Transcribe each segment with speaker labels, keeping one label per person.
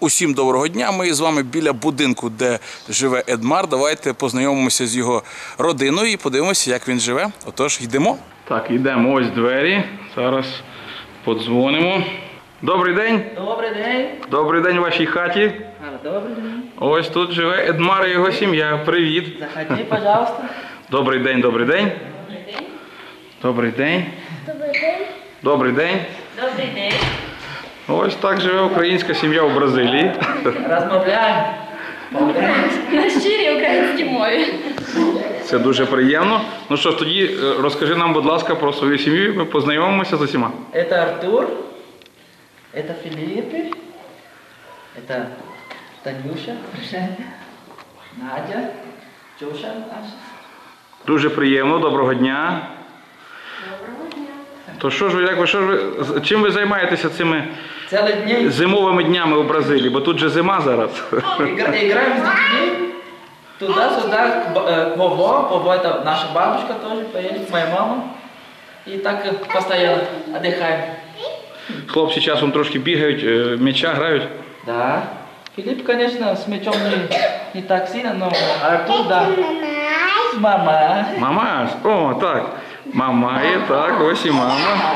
Speaker 1: Усім доброго дня. Ми з вами біля будинку, де живе Едмар. Давайте познайомимося з його родиною і подивимося, як він живе. Отож, йдемо. Так, йдемо. Ось двері. Зараз подзвонимо. Добрий день.
Speaker 2: Добрий день.
Speaker 1: Добрий день у вашій хаті.
Speaker 2: Добрий день.
Speaker 1: Ось тут живе Едмар і його сім'я. Привіт.
Speaker 2: Заходи, пожалуйста.
Speaker 1: Добрий день, добрий день. Добрий день.
Speaker 3: Добрий день.
Speaker 1: Добрий день.
Speaker 2: Добрий день.
Speaker 1: Ось так живе українська сім'я у Бразилії.
Speaker 2: Розмовляємо.
Speaker 3: На щирій українській мові.
Speaker 1: Це дуже приємно. Ну що ж, тоді розкажи нам, будь ласка, про свою сім'ю, ми познайомимося з усіма.
Speaker 2: Это Артур. Это Филиппе. Это Танюша. Надя. Тюша наша.
Speaker 1: Дуже приємно, доброго дня.
Speaker 3: Доброго дня.
Speaker 1: То чим ви займаєтеся цими
Speaker 2: Целый день
Speaker 1: зимовими днями у Бразилії? Бо тут же зима зараз.
Speaker 2: играем с детьми. Туда-сюда. Вова это наша бабушка тоже поедет, моя мама. И так постоянно отдыхаем.
Speaker 1: Хлопці часом трошки бігають, м'яча грають.
Speaker 2: Да. Филипп, конечно, с мячом не так сильно, но Артур, да. Мама.
Speaker 1: Мама? О, так. Мама є, так, ось і мама.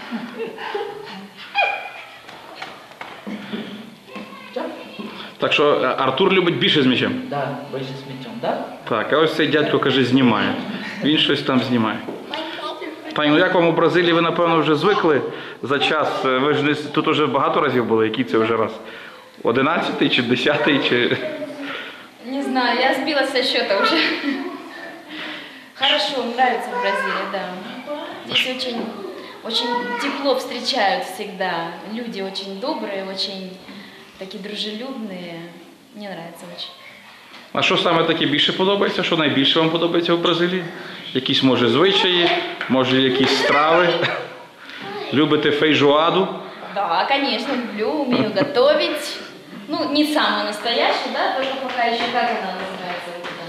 Speaker 1: Так що Артур любить більше з м'ячем?
Speaker 2: Да, больше с мячом, да?
Speaker 1: Так, а ось цей дядько, каже, знімає. Він щось там знімає. Пані, ну як вам у Бразилії, ви, напевно, вже звикли за час? Ви ж тут вже багато разів були, який це вже раз? 11-й чи 10-й, чи...
Speaker 3: Не знаю, я сбила со счета уже. Хорошо, нравится в Бразилии, да. Здесь очень тепло встречают всегда. Люди очень добрые, очень такие дружелюбные. Мне нравится очень.
Speaker 1: А що саме таке більше подобається? Що найбільше вам подобається в Бразилії? Якісь, може, звичаї, може, якісь страви? Любите фейжоаду?
Speaker 3: Да, конечно, люблю, умею готовить. Ну, не самую настоящую, да, только пока еще как она называется.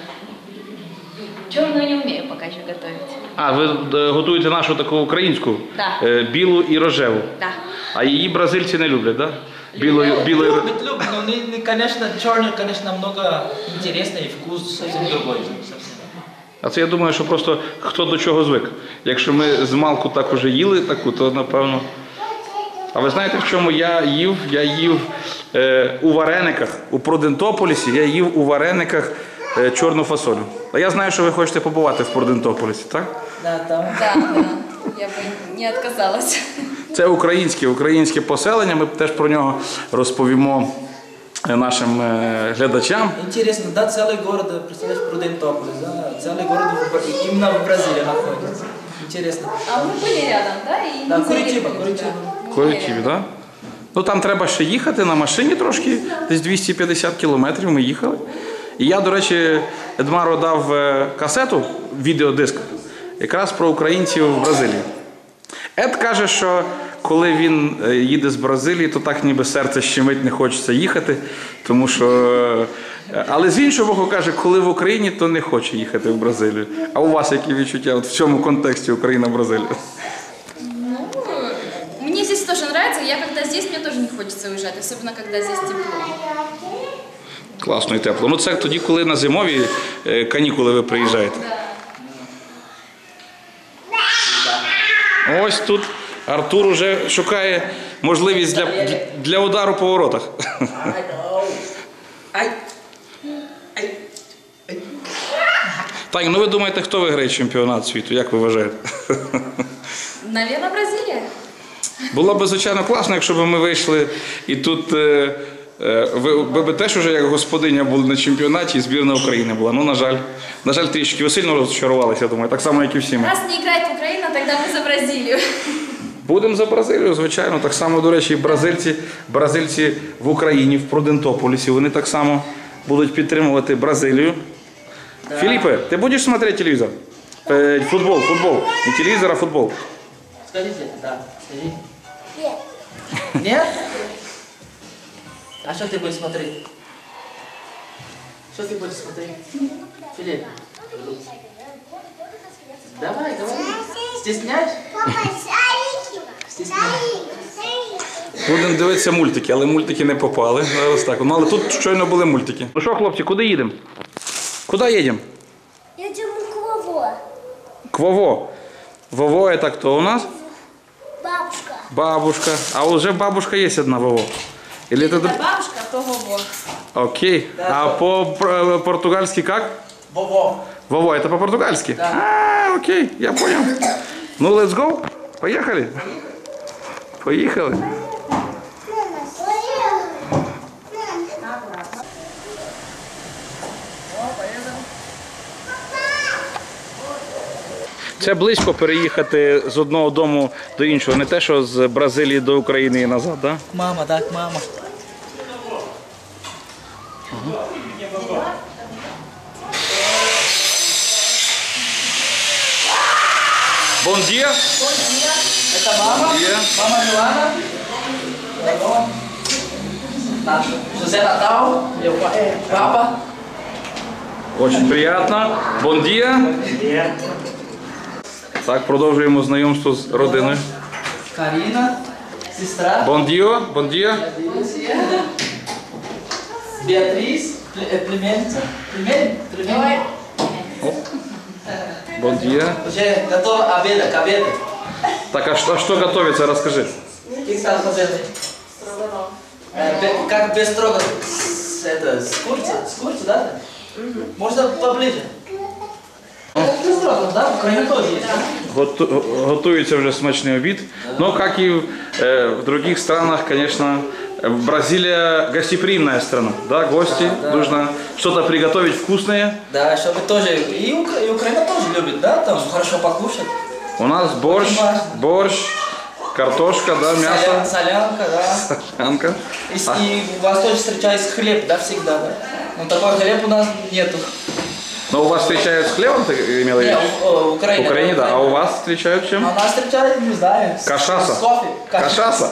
Speaker 3: Черную не умею пока еще готовить.
Speaker 1: А, ви готуєте нашу таку українську?
Speaker 3: Да.
Speaker 1: Білу і рожеву?
Speaker 3: Да.
Speaker 1: А її бразильці не люблять, так? Да?
Speaker 2: Любит, но, конечно, черный, конечно, намного интереснее, и вкус совсем другой.
Speaker 1: А це я думаю, що просто хто до чого звик. Якщо ми з малку так уже їли таку, то напевно... А ви знаєте, в чому я їв? Я їв у варениках, у Прудентополісі, я їв у варениках чорну фасолю. А я знаю, що ви хочете побувати в Прудентополісі, так?
Speaker 2: Да, там.
Speaker 3: Да, я бы не отказалась.
Speaker 1: Це українське поселення, ми теж про нього розповімо нашим глядачам.
Speaker 2: Интересно, да, целый город, представляешь, Прудентополис, да, целый город именно в Бразилии находится. Интересно.
Speaker 3: А мы были рядом, да? И
Speaker 2: Да,
Speaker 3: не
Speaker 2: Куритиба,
Speaker 3: заехали
Speaker 2: Куритиба.
Speaker 3: туда.
Speaker 1: Куритибі, так? Ну там треба ще їхати на машині трошки, десь 250 кілометрів ми їхали. І я, до речі, Едмару дав касету, відеодиск, якраз про українців в Бразилії. Ед каже, що коли він їде з Бразилії, то так ніби серце щемить, не хочеться їхати, тому що... Але з іншого боку каже, коли в Україні, то не хоче їхати в Бразилію. А у вас які відчуття от в цьому контексті Україна-Бразилія?
Speaker 3: Ну, мне здесь тоже нравится. Я когда здесь, мне тоже не хочется уезжать, особенно когда здесь тепло.
Speaker 1: Класно і тепло. Ну це тоді, коли на зимові канікули ви приїжджаєте. Ось тут Артур уже шукає можливість для удару по воротах. Так, ну ви думаєте, хто виграє чемпіонат світу? Як ви вважаєте?
Speaker 3: Наверное, Бразилия.
Speaker 1: Було б, звичайно, класно, якщо б ми вийшли і тут ви б теж уже як господиня були на чемпіонаті і збірна України була. Ну, на жаль, трішки. Ви сильно розчарувалися, я думаю, так само, як і всі ми.
Speaker 3: Раз не играет Украина, тогда мы за Бразилию.
Speaker 1: Будемо за Бразилію, звичайно. Так само, до речі, бразильці в Україні, в Прудентополісі, вони так само будуть підтримувати Бразилію. Да. Филиппе, ты будешь смотреть телевизор? Футбол. Не телевизор, а футбол.
Speaker 2: Скажите, да, скажи. Нет. Нет? А что ты будешь смотреть? Что ты будешь смотреть? Филипп? Давай. Стесняешь? Стесняешь?
Speaker 1: Будемо дивитися мультики, але мультики не попали. Зараз так. Ну, але тут щойно були мультики. Ну що, хлопці, куди їдемо? Куди їдемо?
Speaker 4: Едем к Вово.
Speaker 1: К Вово. Вово это кто у нас?
Speaker 4: Бабушка.
Speaker 1: Бабушка. А уже бабушка есть одна Вово. Или это...
Speaker 3: бабушка, то Вово.
Speaker 1: Окей. А по-португальски как?
Speaker 2: Вово.
Speaker 1: Вово, это по-португальски?
Speaker 2: Да.
Speaker 1: А, окей, я понял. Ну, let's go. Поехали. Поехали. Це близько переїхати з одного дому до іншого, не те, що з Бразилії до України і назад, так? Да?
Speaker 2: Мама, так, мама.
Speaker 1: Bom dia.
Speaker 2: Это мама.
Speaker 1: Bom dia.
Speaker 2: Мама Милана. Наш José Natal. Meu папа.
Speaker 1: Очень приємно. Bom dia. Так, продовжуємо знайомство з родиною.
Speaker 2: Карина. Сестра.
Speaker 1: Bom dia. Bom dia.
Speaker 2: Beatriz. Племянница. Племянница.
Speaker 1: Bom dia.
Speaker 2: Уже готова обеда, к обеду.
Speaker 1: Так, а что готовится, расскажи.
Speaker 2: Что стал фазетой? Как без строго это, с курицей, да? Можно поближе. Без строго, да? В Украине тоже есть.
Speaker 1: Готується вже смачний обід. Но, как и в других странах, конечно, Бразилия гостеприимная страна. Да, гости, нужно что-то приготовить вкусное.
Speaker 2: Да, чтобы тоже, и Украина тоже любит, да, там хорошо покушать.
Speaker 1: У нас борщ, картошка, да, мясо.
Speaker 2: Солянка, да.
Speaker 1: Солянка.
Speaker 2: И у вас тоже встречается хлеб, да, всегда, да. Но такой хлеб у нас нету.
Speaker 1: Но у вас встречают с хлебом, ты имела в виду?
Speaker 2: Нет, в Украине.
Speaker 1: В Украине, да. А у вас встречают чем?
Speaker 2: А у нас встречают, не знаю.
Speaker 1: Кашаса.
Speaker 2: С кофе.
Speaker 1: Кашаса?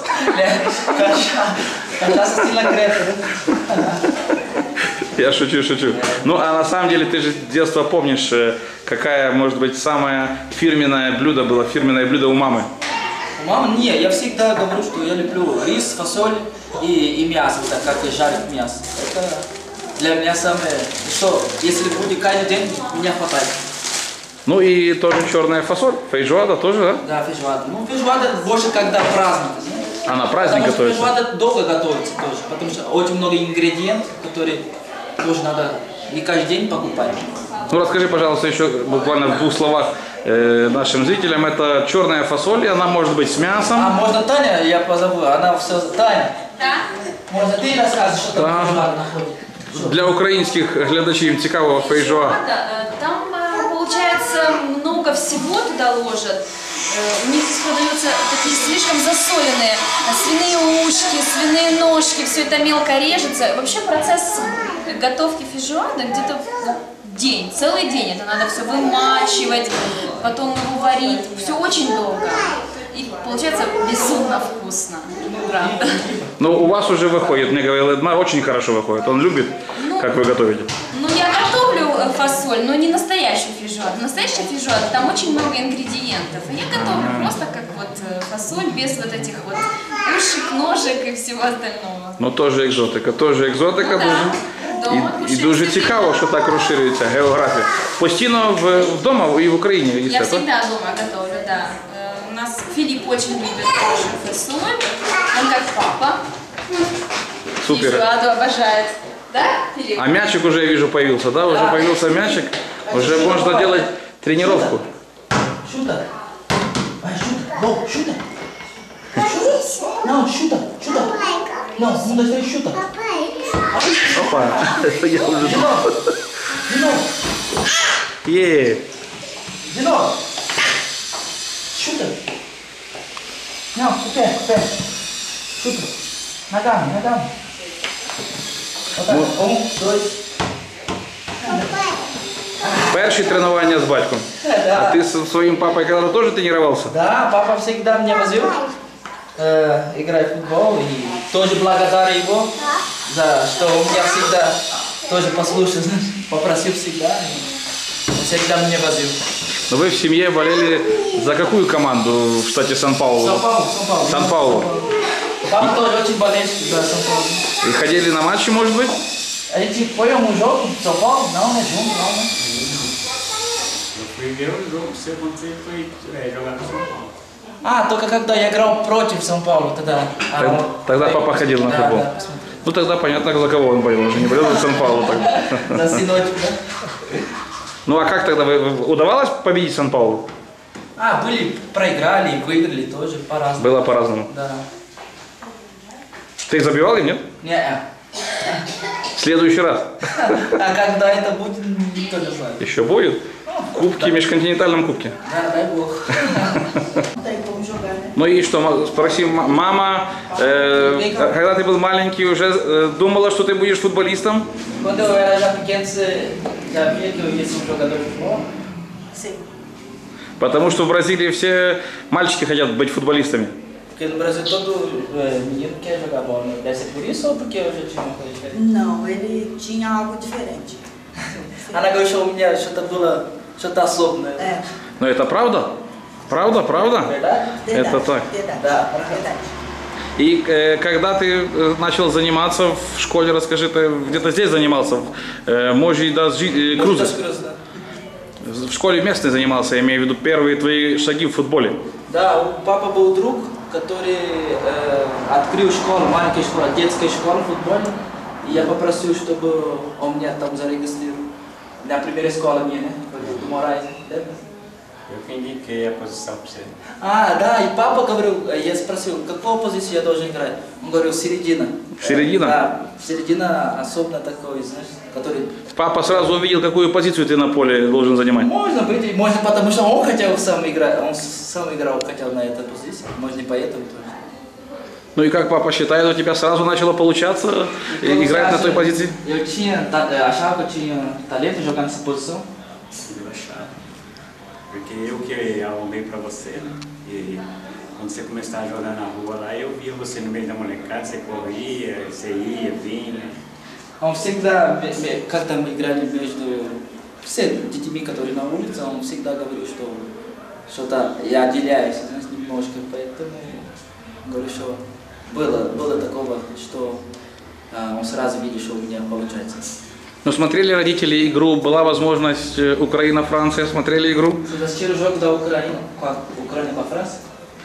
Speaker 2: Кашаса сильно крепкая, да?
Speaker 1: Я шучу. Ну, а на самом деле, ты же с детства помнишь, какая, может быть, самое фирменное блюдо у мамы?
Speaker 2: Мама, не, я всегда говорю, что я люблю рис, фасоль и мясо, так как жарить мясо. Это для меня самое, что если будет каждый день, меня хватает.
Speaker 1: Ну и тоже черная фасоль, фейджоада тоже, да?
Speaker 2: Да, фейджоада. Ну, фейджоада больше когда праздник, знаешь?
Speaker 1: А на праздник
Speaker 2: потому
Speaker 1: готовится?
Speaker 2: Потому что фейджоада долго готовится тоже, потому что очень много ингредиентов, которые тоже надо не каждый день покупать.
Speaker 1: Ну расскажи, пожалуйста, еще буквально в 2 словах нашим зрителям. Это черная фасоль, и она может быть с мясом.
Speaker 2: А можно Таня, я позову, она все, Таня.
Speaker 3: Да?
Speaker 2: Можно ты рассказываешь, что там фейджоада находит?
Speaker 1: Для українських глядачів цікаво фейджоа.
Speaker 3: Там получается много всего туда ложат. У них здесь продаются такие слишком засоленные свиные ушки, свиные ножки, все это мелко режется. Вообще процесс готовки фейджоада где-то день, целый день. Это надо все вымачивать, потом его варить. Все очень долго. И получается безумно вкусно. Правда.
Speaker 1: Ну, у вас уже выходит, мне говорил Эдмар, очень хорошо выходит. Он любит, как вы готовите.
Speaker 3: Ну, я готовлю фасоль, но не настоящую фейджоаду. Настоящая фейджоада, там очень много ингредиентов. А я готовлю просто как вот фасоль, без вот этих вот ушек, ножек и всего остального.
Speaker 1: Ну, тоже екзотика,
Speaker 3: Ну,
Speaker 1: дуже. І дуже цікаво, що так розширюється географія. Постійно вдома і в Україні їсте,
Speaker 3: Я
Speaker 1: так?
Speaker 3: всегда дома готовлю, да. У нас Филипп очень любит тоже фасоль. Он как папа.
Speaker 1: Супер.
Speaker 3: Фейджоаду обожает. Да, Филипп?
Speaker 1: А мячик уже, я вижу, появился, да? Уже появился мячик. Уже можно делать тренировку.
Speaker 2: Шута. No, шута. No, шута. No, mundo está шута.
Speaker 1: Опа, это я уже...
Speaker 2: Дino. Дino. Шута. No, купе. Шута. Ногами. Вот так. 1, 2.
Speaker 1: Перші тренування з батьком.
Speaker 2: Да.
Speaker 1: А ты со своим папой когда-то тоже тренировался?
Speaker 2: Да, папа всегда меня возил играть в футбол, и тоже благодарен его за что он меня всегда тоже послушал, попросил всегда, и он всегда меня возил.
Speaker 1: Но вы в семье болели за какую команду в штате Сан-Паулу?
Speaker 2: Сан-Паулу.
Speaker 1: Сан-Паулу.
Speaker 2: Papa тоже очень болельщик за São Paulo.
Speaker 1: И ходили на матчи, может быть?
Speaker 2: A gente foi a jogo de São Paulo? Não, né? Junto, não, né?
Speaker 5: Eu fui ver o jogo seu quando você foi jogar no São Paulo.
Speaker 2: А, только когда я играл против São Paulo, тогда.
Speaker 1: Тогда папа ходил на футбол.
Speaker 2: Да, посмотрел.
Speaker 1: Ну тогда понятно, за кого он болел. Он же не болел за Сан-Паулу тогда.
Speaker 2: За сыночек, да?
Speaker 1: Ну а как тогда? Удавалось победить Сан-Паулу?
Speaker 2: А, были, проиграли, выиграли тоже по-разному.
Speaker 1: Было по-разному.
Speaker 2: Да.
Speaker 1: Ты их забивал им, нет?
Speaker 2: Не,
Speaker 1: В следующий раз.
Speaker 2: а когда это будет, никто не знает.
Speaker 1: Еще будет? Кубки, межконтинентальном кубке.
Speaker 2: Да, дай бог.
Speaker 1: Ну и что, спроси, мама, когда ты был маленький, уже думала, что ты будешь футболистом?
Speaker 2: Quando eu era já pequeno, você já via que eu ia ser jogador de futebol?
Speaker 3: Sim.
Speaker 1: Потому что в Бразилии все мальчики хотят быть футболистами.
Speaker 2: Porque no Brasil todo menino quer jogar bola, né? Deve ser por isso ou porque eu já tinha uma coisa diferente?
Speaker 6: Não, ele tinha algo diferente.
Speaker 2: Она говорит, что у меня что-то было, что-то особенное.
Speaker 6: É,
Speaker 1: Но это правда? Правда, правда?
Speaker 2: Verdade?
Speaker 6: verdade.
Speaker 1: Это так.
Speaker 6: Verdade.
Speaker 2: Да.
Speaker 6: Verdade.
Speaker 1: И когда ты начал заниматься в школе, расскажи, ты где-то здесь занимался, в Можи das Cruzes.
Speaker 2: Да.
Speaker 1: В школе местной занимался, я имею в виду первые твои шаги в футболе.
Speaker 2: Да, у папы был друг, который открыл школу, маленькая школа, детская школа футбольная. И я попросил, чтобы он меня там зарегистрировал. Na primeira escola minha, né? Do Moraes, né?
Speaker 5: Eu que indiquei a posição para você.
Speaker 2: А, да, и папа говорил, я спросил, какую позицию я должен играть? Он говорил, середина.
Speaker 1: Середина?
Speaker 2: Да, середина особенно такой, знаешь, который...
Speaker 1: Папа сразу увидел, какую позицию ты на поле должен занимать.
Speaker 2: Можно быть, можно потому что он хотел сам играть, он сам играл, хотел на этой позиции, может не поэтому тоже.
Speaker 1: Ну и как папа считает, у тебя сразу начало получаться играть на той позиции?
Speaker 2: Eu tinha, achava que eu tinha talento em jogar nessa posição.
Speaker 5: Eu achava. Porque eu que arrumei para você, né? E quando você começava a jogar na rua lá, eu via você no meio da molecada, você corria, você ia, vinha.
Speaker 2: Он всегда, как-то мы играли между все детьми, которые на улице, он всегда говорил, что что-то я отделяюсь, знаешь, немножко, поэтому говорю, что было такого, что он сразу видел, что у меня получается.
Speaker 1: Ну смотрели родители игру, была возможность Украина-Франция, смотрели игру?
Speaker 2: Vocês assistiram o jogo da Ucrânia com a França?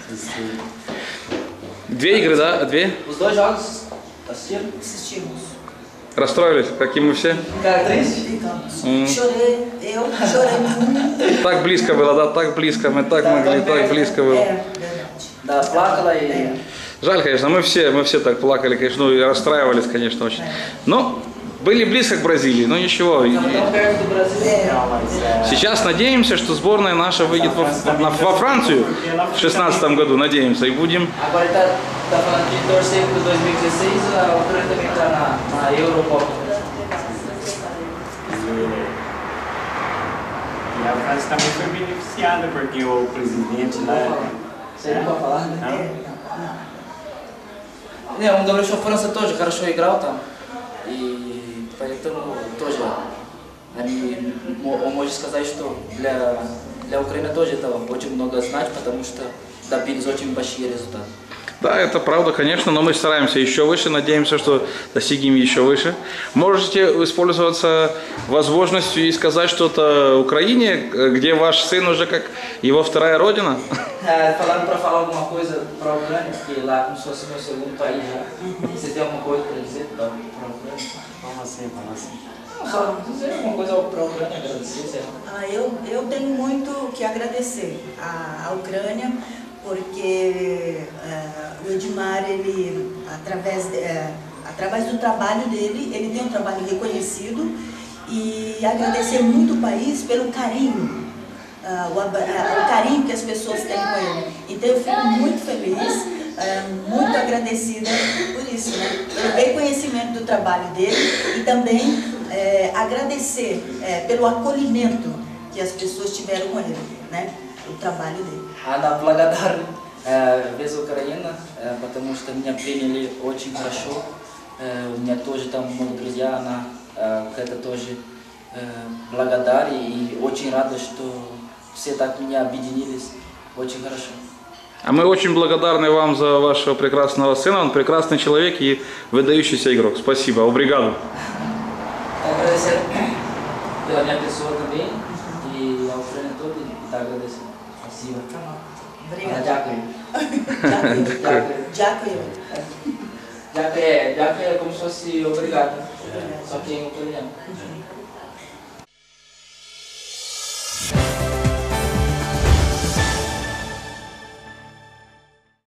Speaker 1: Две игры, да? Две?
Speaker 2: Os dois jogos assistiram?
Speaker 6: Assistimos.
Speaker 1: Расстроились, как и мы все?
Speaker 2: Ficaram tristes?
Speaker 6: Ficamos. Chorei, eu chorei muito.
Speaker 1: Так близко было, да? Так близко, мы так могли, так близко было.
Speaker 6: É, verdade.
Speaker 2: Да, плакала и...
Speaker 1: Жаль, конечно, мы все так плакали, конечно, ну и расстраивались, конечно, очень. Но были близко к Бразилии, но ничего.
Speaker 2: Tão perto do Brasil.
Speaker 5: Não, mas
Speaker 1: Сейчас надеемся, что сборная наша выйдет во Францию в 2016 году, надеемся, и будем...
Speaker 2: Agora ele tá falando de torcer para 2016, a Ucrânia também está na Eurocopa.
Speaker 5: E a França também foi beneficiada, porque o presidente lá...
Speaker 2: Você não pode falar, né?
Speaker 5: Não?
Speaker 2: Не, он говорил, что Франция тоже хорошо играл там. И поэтому тоже он может сказать, что для Украины тоже это очень много значит, потому что добились очень большие результаты.
Speaker 1: Да, это правда, конечно, но мы стараемся еще выше, надеемся, что достигнем еще выше. Можете воспользоваться возможностью и сказать что-то Украине, где ваш сын уже как его вторая родина?
Speaker 2: Falando para falar alguma coisa para a Ucrânia, porque lá como se fosse meu segundo país já. Você tem alguma coisa para dizer para a Ucrânia?
Speaker 5: Como assim, como assim?
Speaker 2: Não, só dizer alguma coisa para a Ucrânia, agradecer, sei lá.
Speaker 6: Eu tenho muito que agradecer à Ucrânia, porque o Edmar, ele, através do trabalho dele, ele tem um trabalho reconhecido, e agradecer muito o país pelo carinho, o carinho que as pessoas têm com ele. Então eu fico muito feliz, muito agradecida por isso, né? Pelo reconhecimento do trabalho dele e também agradecer pelo acolhimento que as pessoas tiveram com ele, né? O trabalho dele.
Speaker 2: Она благодарна весь Украина, потому что меня приняли очень хорошо. У меня тоже там много друзья, она это тоже благодарна и очень рада, что все так меня объединились очень хорошо.
Speaker 1: А мы очень благодарны вам за вашего прекрасного сына. Он прекрасный человек и выдающийся игрок. Спасибо. Обригаду.
Speaker 2: Agradecer pela minha pessoa também e ao treino todo e tá agradecendo. Спасибо.
Speaker 6: Obrigada.
Speaker 2: Дякую.
Speaker 6: Дякую. Дякую.
Speaker 2: Дякую é como se fosse obrigado. Só que em italiano.